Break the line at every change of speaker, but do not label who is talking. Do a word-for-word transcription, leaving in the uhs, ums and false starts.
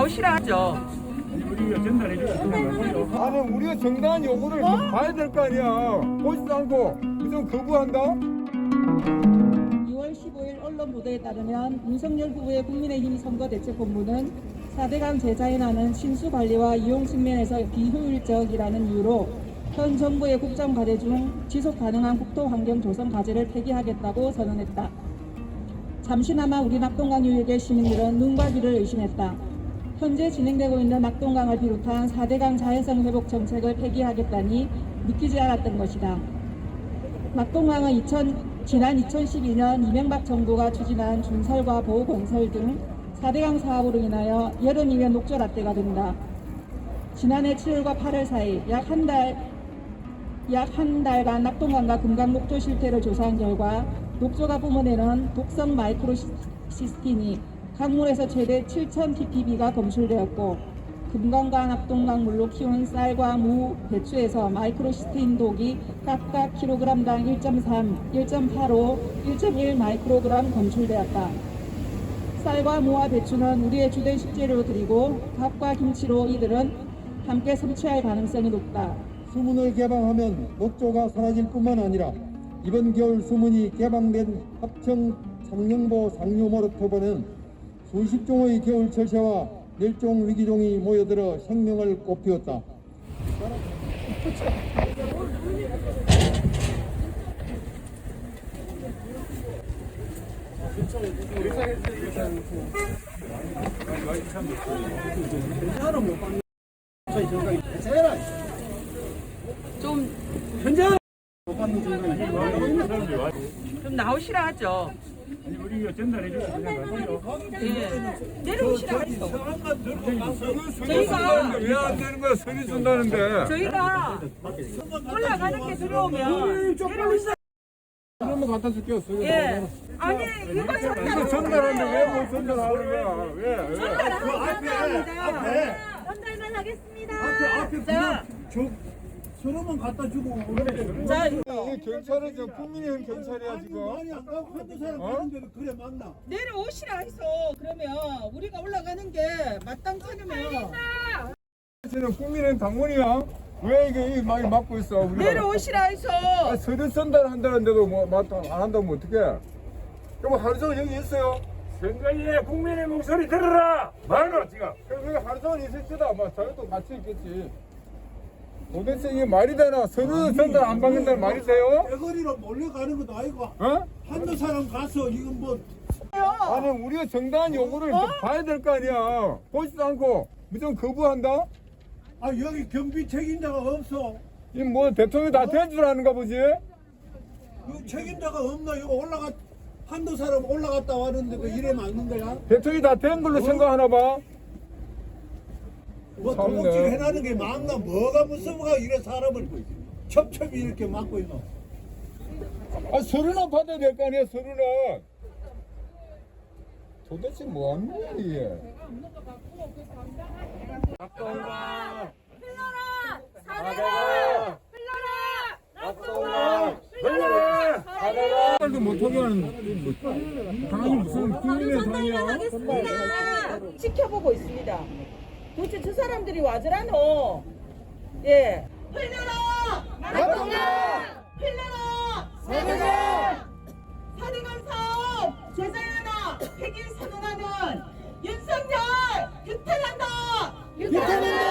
나오시라 하죠.
우리가 전달해 주세요.
아니 우리가 정당한 요구를 좀 봐야 될 거 아니야. 보지도 않고 무슨 거부한다?
이월 십오일 언론 보도에 따르면 윤석열 후보의 국민의힘 선거대책본부는 사대강 재자연하는 신수관리와 이용 측면에서 비효율적이라는 이유로 현 정부의 국정과제 중 지속가능한 국토환경 조성 과제를 폐기하겠다고 선언했다. 잠시나마 우리 낙동강 유역의 시민들은 눈과 귀를 의심했다. 현재 진행되고 있는 낙동강을 비롯한 사대강 자연성 회복 정책을 폐기하겠다니 믿기지 않았던 것이다. 낙동강은 이천, 지난 이천십이년 이명박 정부가 추진한 준설과 보호건설 등 사대강 사업으로 인하여 여름이면 녹조라떼가 된다. 지난해 칠월과 팔월 사이 약 한 달, 약 한 달간 낙동강과 금강 녹조 실태를 조사한 결과 녹조가 뿜어내는 독성 마이크로시스틴이 강물에서 최대 칠천 ppb가 검출되었고 금강과 낙동강 물로 키운 쌀과 무, 배추에서 마이크로시스틴 독이 각각 킬로그램당 일 점 삼, 일 점 팔오, 일 점 일 마이크로그램 검출되었다. 쌀과 무와 배추는 우리의 주된 식재료들이고 밥과 김치로 이들은 함께 섭취할 가능성이 높다.
수문을 개방하면 녹조가 사라질 뿐만 아니라 이번 겨울 수문이 개방된 합천 창녕보 상류모르토보는 수십 종의 겨울 철새와 멸종 위기종이 모여들어 생명을 꽃피웠다.
좀,
현장
좀 나오시라 하죠.
우리가 전달해 주세요.
예. 내려오시라 하죠.
저희가 왜 안 되는 거야? 서류 준다는데.
저희가 올라가는 게 들어오면 내려오시라.
한번 갖다 줄게요. 서류.
예. 아니, 이거
이거 전달하는데 왜 못 전달하는 거야? 왜? 왜?
전달합니다.
전달만 하겠습니다.
자,
서로만 갖다 주고
자,
이 경찰은 저 국민의힘 경찰이야 지금.
아니 안 가고 한두 사람
어?
가는데도 그래 맞나?
내려오시라 해서 그러면 우리가 올라가는 게 마땅찮으면
저는 국민의힘 당원이야. 왜 이게 많이 막고 있어? 우리가.
내려오시라 해서.
아, 서류 전달한다는데도 뭐 맞다 안 한다면 어떡해? 그럼 하루 종일 여기 있어요.
선거에 국민의 목소리 들어라. 말로 지금.
그럼 여기 하루 종일 있을 때다. 뭐 저희도 같이 있겠지. 도대체 이게 말이 되나? 서류 전달 안 받는다는 말이 돼요?
대거리로 몰려가는 것도 아니고
어?
한두 사람 가서 이건 뭐
아니 우리가 정당한 요구를 좀 봐야 될 거 아니야. 보지도 않고 무슨 거부한다?
아 여기 경비 책임자가 없어.
이 뭐 대통령이 다 된 줄 아는가 보지?
그 책임자가 없나? 이거 올라가 한두 사람 올라갔다 왔는데 그 이래 맞는 거야?
대통령이 다 된 걸로 생각하나 봐.
뭐
참네.
도둑질 해나는 게 맞나? 뭐가 무서워가 이래 사람을 첩첩이 이렇게 막고 있노?
아 서류나 받아야 될 거 아니야 서류는. 도대체 뭐 하는 거야 이게? 낙동강
흘러라!
사대강
흘러라!
낙동강 흘러라 사대강 말도 못하게 하는 당이 무슨 국민의 당이야?
하겠습니다.
지켜보고 있습니다. 도대체 저 사람들이 와저라노? 예. 흘려라! 낙동강! 흘려라! 사대강! 사대강 사업 제자연화 폐기 선언하는 윤석열 규탄한다! 규탄한다!